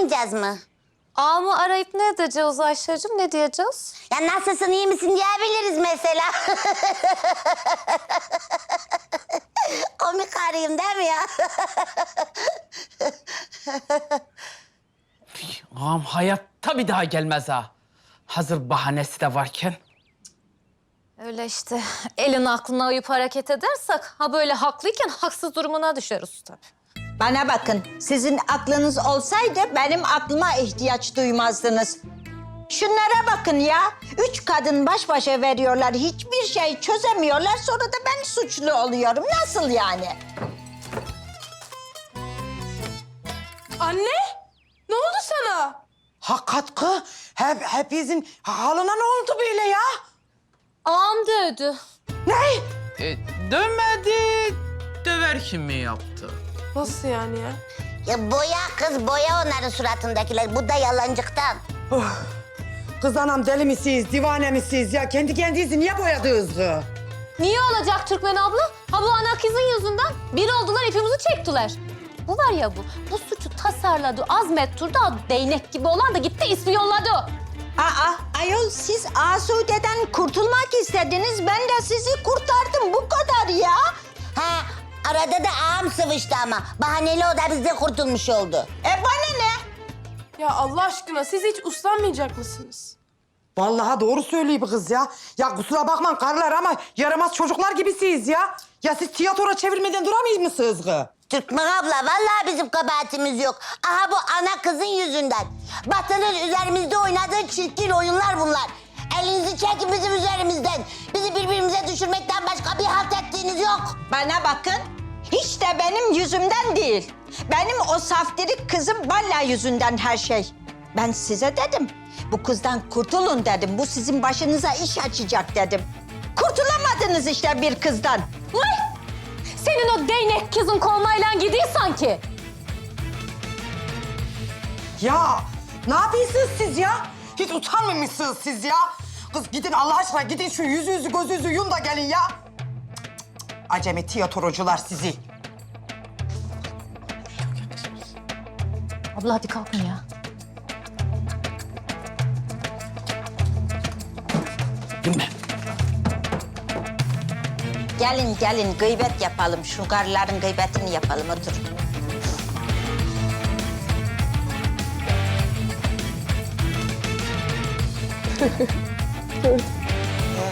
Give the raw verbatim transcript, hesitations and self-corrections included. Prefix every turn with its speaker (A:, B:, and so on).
A: aramayacağız mı?
B: Ağamı arayıp ne edeceğiz Ayşe'cim, ne diyeceğiz?
A: Ya nasılsın, iyi misin diyebiliriz mesela. Komik arayayım değil mi ya?
C: Ağam hayatta bir daha gelmez ha. Hazır bahanesi de varken.
B: Öyle işte, elin aklına uyup hareket edersek... ...ha böyle haklıyken haksız durumuna düşeriz tabii.
D: Bana bakın, sizin aklınız olsaydı benim aklıma ihtiyaç duymazdınız. Şunlara bakın ya, üç kadın baş başa veriyorlar, hiçbir şey çözemiyorlar, sonra da ben suçlu oluyorum. Nasıl yani?
E: Anne, ne oldu sana?
F: Ha katkı, hep, hepinizin halına ne oldu böyle ya?
B: Ağam dövdü.
F: Ne?
C: E, dövmedi, döverken mi yaptı?
E: Nasıl yani ya?
A: Ya boya kız, boya onların suratındakiler. Bu da yalancıktan.
F: Kız anam deli misiniz, divane misiniz ya? Kendi kendinizi niye boyadınız kız?
B: Niye olacak Türkmen abla? Ha bu ana kızın yüzünden bir oldular, ipimizi çektiler. Bu var ya bu, bu suçu tasarladı, azmettirdi, değnek gibi olan da gitti ispiyonladı.
D: Aa, ayol siz Asude'den kurtulmak istediniz, ben de sizi kurtardım, bu kadar ya.
A: Ha, arada da ağam sıvıştı ama. Bahaneli o da bizde kurtulmuş oldu.
D: E bana ne?
E: Ya Allah aşkına siz hiç uslanmayacak mısınız?
F: Vallahi doğru söylüyor bu kız ya. Ya kusura bakmayın karılar ama yaramaz çocuklar gibisiniz ya. Ya siz tiyatro çevirmeden duramayız mısınız kız?
A: Türkmen abla, vallahi bizim kabahatimiz yok. Aha bu ana kızın yüzünden. Batı'nın üzerimizde oynadığı çirkin oyunlar bunlar. Elinizi çekin bizim üzerimizden. Bizi birbirimize düşürmekten başka bir halt ettiğiniz yok.
D: Bana bakın, hiç de benim yüzümden değil. Benim o saftirik kızım Balla yüzünden her şey. Ben size dedim, bu kızdan kurtulun dedim. Bu sizin başınıza iş açacak dedim. Kurtulamadınız işte bir kızdan.
B: Vay! Senin o değnek kızın kolmayla gidiyor sanki.
F: Ya ne yapıyorsunuz siz ya? Hiç utanmamışsınız siz ya. Kız gidin Allah aşkına, gidin şu yüzünüzü gözünüzü yun da gelin ya. Cık, cık, cık. Acemi tiyatrocular sizi.
B: Abla hadi kalkın ya.
C: Değil
D: Gelin gelin gıybet yapalım. Şu karıların gıybetini yapalım, oturun.